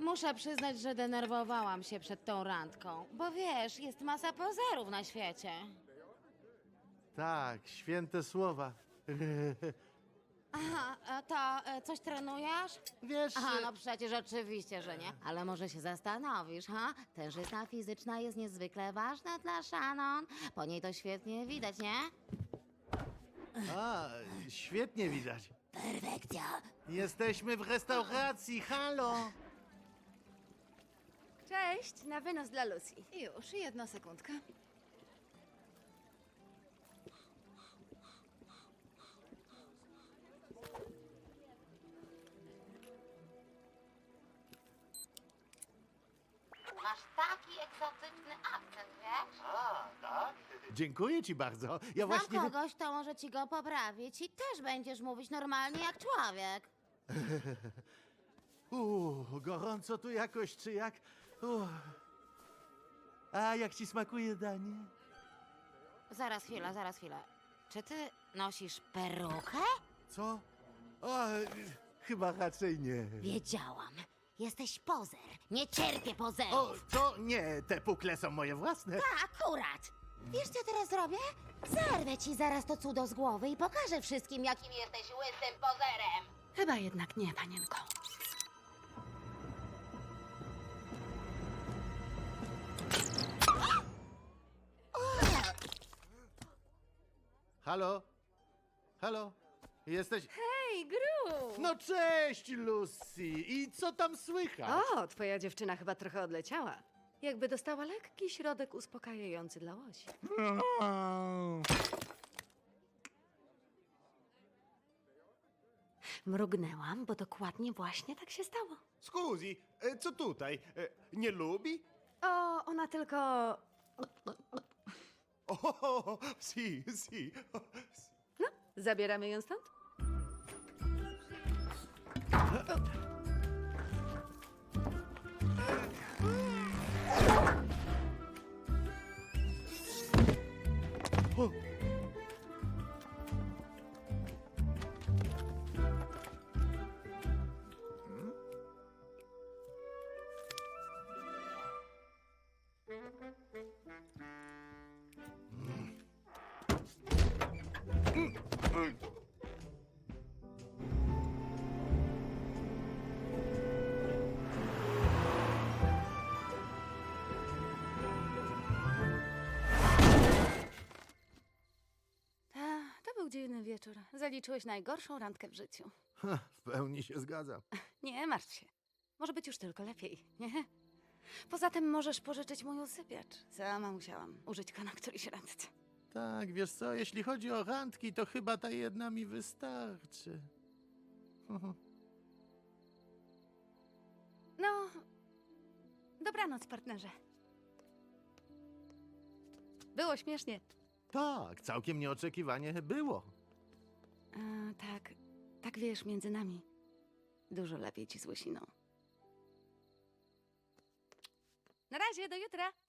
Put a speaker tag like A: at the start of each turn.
A: Muszę przyznać, że denerwowałam się przed tą randką, bo wiesz, jest masa pozerów na świecie.
B: Tak, święte słowa.
A: Aha, to coś trenujesz?
B: Wiesz,
A: Aha, no przecież oczywiście, że nie. Ale może się zastanowisz, ha? Tężyzna fizyczna jest niezwykle ważna dla Shannon. Po niej to świetnie widać, nie?
B: a, świetnie widać.
A: Perfekcja.
B: Jesteśmy w restauracji, halo!
C: Cześć, na wynos dla Lucy.
D: Już, jedna sekundka.
A: Masz taki egzotyczny akcent, wiesz?
B: A, tak? Dziękuję ci bardzo. Ja
A: Znam
B: właśnie...
A: kogoś, kto może ci go poprawić i też będziesz mówić normalnie jak człowiek.
B: Gorąco tu jakoś, czy jak? A jak ci smakuje danie?
A: Zaraz chwilę. Czy ty nosisz perukę?
B: Co? O, chyba raczej nie.
A: Wiedziałam. Jesteś pozer. Nie cierpię pozerów.
B: O, to nie, te pukle są moje własne.
A: Akurat. Wiesz, co teraz zrobię? Zerwę ci zaraz to cudo z głowy i pokażę wszystkim, jakim jesteś łysym pozerem.
C: Chyba jednak nie, panienko.
B: Halo? Halo? Jesteś...
C: Hej, Gru!
B: No cześć, Lucy! I co tam słychać?
C: O, twoja dziewczyna chyba trochę odleciała. Jakby dostała lekki środek uspokajający dla łosi. Mrugnęłam, bo dokładnie właśnie tak się stało.
E: Scusi, co tutaj? Nie lubi?
C: O, ona tylko...
E: O, sì, sì.
C: No, zabieramy ją stąd? To był dziwny wieczór. Zaliczyłeś najgorszą randkę w życiu.
B: W pełni się zgadzam.
C: Nie martw się. Może być już tylko lepiej, nie? Poza tym możesz pożyczyć mój usypiacz. Sama musiałam użyć go na którejś randce.
B: Tak, wiesz co, jeśli chodzi o randki, to chyba ta jedna mi wystarczy.
C: No, dobranoc, partnerze. Było śmiesznie.
B: Tak, całkiem nieoczekiwanie było.
C: Tak wiesz, między nami. Dużo lepiej ci z łysiną. Na razie, do jutra.